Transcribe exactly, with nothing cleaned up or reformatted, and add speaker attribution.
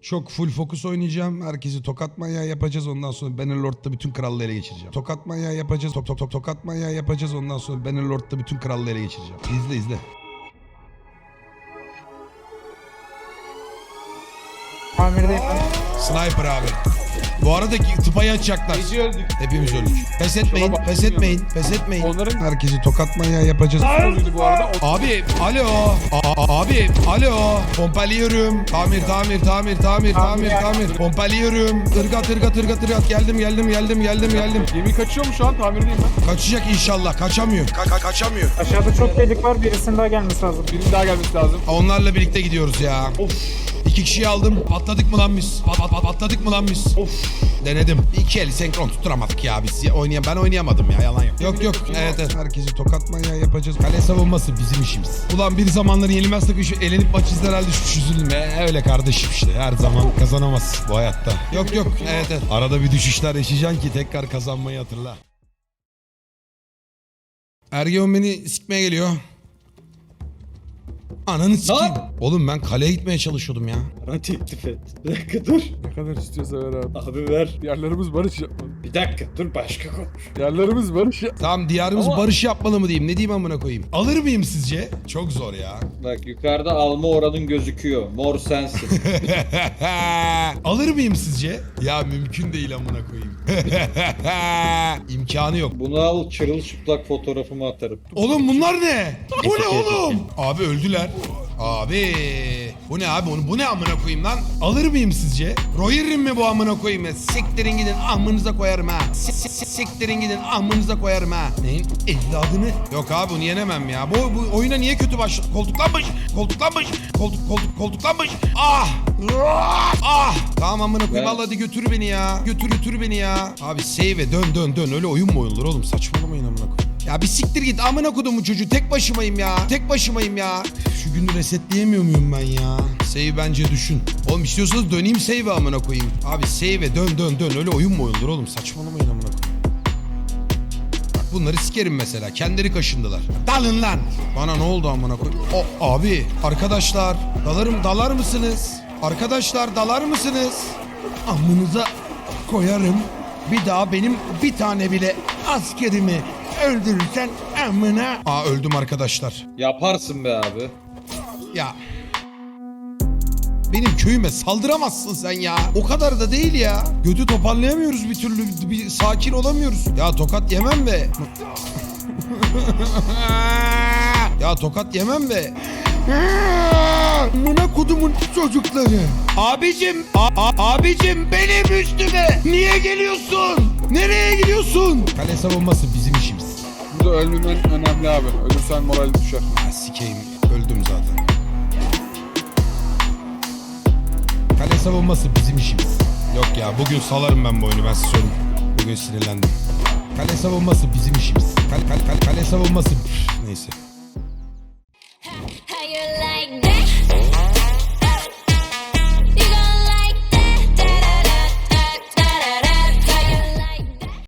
Speaker 1: Çok full fokus oynayacağım. Herkesi tokat manyağı yapacağız. Ondan sonra Bannerlord'da bütün krallığı ele geçireceğim. Tokat manyağı yapacağız. Tok tok tok tokat manyağı yapacağız. Ondan sonra Bannerlord'da bütün krallığı ele geçireceğim. İzle izle.
Speaker 2: Tamirde
Speaker 1: Sniper abi. Bu arada tıpayı açacaklar.
Speaker 3: Gece öldük.
Speaker 1: Hepimiz öldük. Pes etmeyin,
Speaker 3: Şuna bak,
Speaker 1: pes etmeyin, pes etmeyin.
Speaker 3: Onların-
Speaker 1: Herkesi tokat manyağı yapacağız.
Speaker 3: Öldü bu arada. O-
Speaker 1: Abi, alo. A- abi, alo. Pompalıyorum. Tamir, tamir, tamir, tamir, tamir, tamir. Pompalıyorum. Irgat, ırgat, ırgat, ırgat. Geldim, geldim, geldim, geldim, geldim.
Speaker 3: Gemi kaçıyor mu şu an? Tamirdeyim ben.
Speaker 1: Kaçacak inşallah. Kaçamıyor. Ka- ka- kaçamıyor.
Speaker 2: aşağıda çok delik var, birisinin daha gelmesi lazım.
Speaker 3: Birinin daha gelmesi lazım.
Speaker 1: Onlarla birlikte gidiyoruz ya. Of. İki kişiyi aldım. Patladık mı lan biz? Pat, pat, pat- patladık mı lan biz? Of. Denedim. İki eli senkron tutturamadık ya biz. Oynayam ben oynayamadım ya, yalan yok. Yok yok. Evet evet. Herkesi tokat manyağı yapacağız. Kale savunması bizim işimiz. Ulan bir zamanları yenilmez takım şu elenip maç izler halde şu üzüldüm. E, öyle kardeşim işte. Her zaman kazanamaz bu hayatta. Yok yok. Evet evet. Arada bir düşüşler yaşayacaksın ki tekrar kazanmayı hatırla. Ergeon beni sikmeye geliyor. Ananı sikeyim. Oğlum ben kaleye gitmeye çalışıyordum ya.
Speaker 4: Bana teklif et. Bir dakika dur.
Speaker 3: Ne kadar istiyorsa ver abi.
Speaker 4: Abi ver.
Speaker 3: Yerlerimiz barış yapmalı.
Speaker 4: Bir dakika dur başka konuş.
Speaker 3: Yerlerimiz barış yap.
Speaker 1: Tamam diyarımız
Speaker 4: Ama-
Speaker 1: barış yapmalı mı diyeyim? Ne diyeyim amına koyayım? Alır mıyım sizce? Çok zor ya.
Speaker 4: Bak yukarıda alma oranın gözüküyor. Mor sensin.
Speaker 1: Alır mıyım sizce? Ya mümkün değil amına koyayım. İmkanı yok.
Speaker 4: Bunu al çırılçıplak fotoğrafımı atarım.
Speaker 1: Oğlum bunlar ne? Bu ne oğlum? Abi öldüler. Abi bu ne abi? Bu ne amına koyayım lan? Alır mıyım sizce? Royer'im mi bu amına koyayım ya? Siktirin gidin amınıza koyarım ha. S- s- Siktirin gidin amınıza koyarım ha. Neyin evladını? Yok abi bunu yenemem ya. Bu, bu oyuna niye kötü başladı? Koltuklanmış. Koltuklanmış. Koltuk koltuk koltuklanmış. Ah. Ah. Ah. Tamam amına koyayım.
Speaker 4: Ben-
Speaker 1: Allah hadi götür beni ya. Götür götür beni ya. Abi save dön dön dön. Öyle oyun mu oyunlar oğlum? Saçmalamayın amına koyayım. Ya bir siktir git amına kodumun çocuğu, tek başımayım ya. Tek başımayım ya. Şu günü resetleyemiyor muyum ben ya? Save bence düşün. Oğlum istiyorsanız döneyim save'e amına koyayım. Abi save'e dön dön dön, öyle oyun mu oyundur oğlum, saçmalamayın amına koyayım. Bak bunları sikerim mesela, kendileri kaşındılar. Dalın lan. Bana ne oldu amına koyayım? O abi arkadaşlar dalarım dalar mısınız? Arkadaşlar dalar mısınız? Amınıza koyarım. Bir daha benim bir tane bile askerimi öldürürsen amına. Aa öldüm arkadaşlar.
Speaker 4: Yaparsın be abi.
Speaker 1: Ya. Benim köyüme saldıramazsın sen ya. O kadar da değil ya. Götü toparlayamıyoruz bir türlü. Bir sakin olamıyoruz. Ya tokat yemem be. Ya tokat yemem be. Amına kodumun çocukları. Abicim, a- a- abicim benim üstüme niye geliyorsun? Nereye gidiyorsun? Kale savunması bizim işimiz.
Speaker 3: Burada ölmemen önemli abi. Ölürsen moral düşer.
Speaker 1: Ha, sikeyim, öldüm zaten. Kale savunması bizim işimiz. Yok ya bugün salarım ben bu oyunu, ben size söyleyeyim. Bugün sinirlendim. Kale savunması bizim işimiz. Kale, kale, kale, kale savunması... Üf, neyse.
Speaker 5: How you